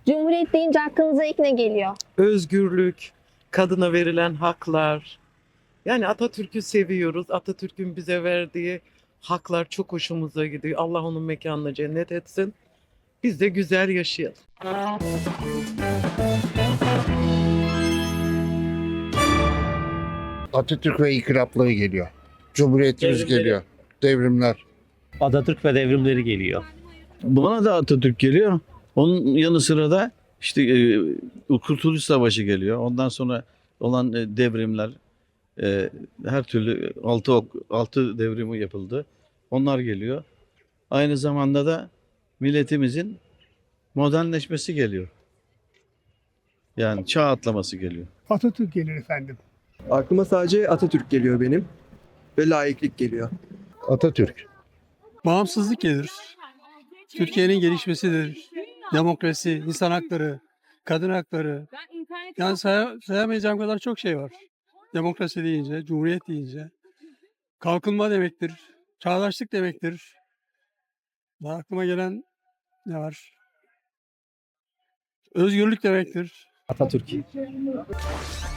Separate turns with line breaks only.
Cumhuriyet deyince aklınıza ilk ne geliyor?
Özgürlük, kadına verilen haklar. Yani Atatürk'ü seviyoruz. Atatürk'ün bize verdiği haklar çok hoşumuza gidiyor. Allah onun mekanını cennet etsin. Biz de güzel yaşayalım.
Atatürk ve inkılapları geliyor. Cumhuriyetimiz
Devrimleri.
geliyor. Devrimler.
Atatürk ve devrimleri geliyor.
Bana da Atatürk geliyor. Onun yanı sıra da işte Kurtuluş Savaşı geliyor. Ondan sonra olan devrimler, her türlü altı devrimi yapıldı. Onlar geliyor. Aynı zamanda da milletimizin modernleşmesi geliyor. Yani çağ atlaması geliyor.
Atatürk gelir efendim.
Aklıma sadece Atatürk geliyor benim ve laiklik geliyor.
Atatürk.
Bağımsızlık gelir. Türkiye'nin gelişmesidir. Demokrasi, insan hakları, kadın hakları. Yani sayamayacağım kadar çok şey var. Demokrasi deyince, cumhuriyet deyince. Kalkınma demektir. Çağdaşlık demektir. Daha aklıma gelen ne var? Özgürlük demektir.
Atatürk.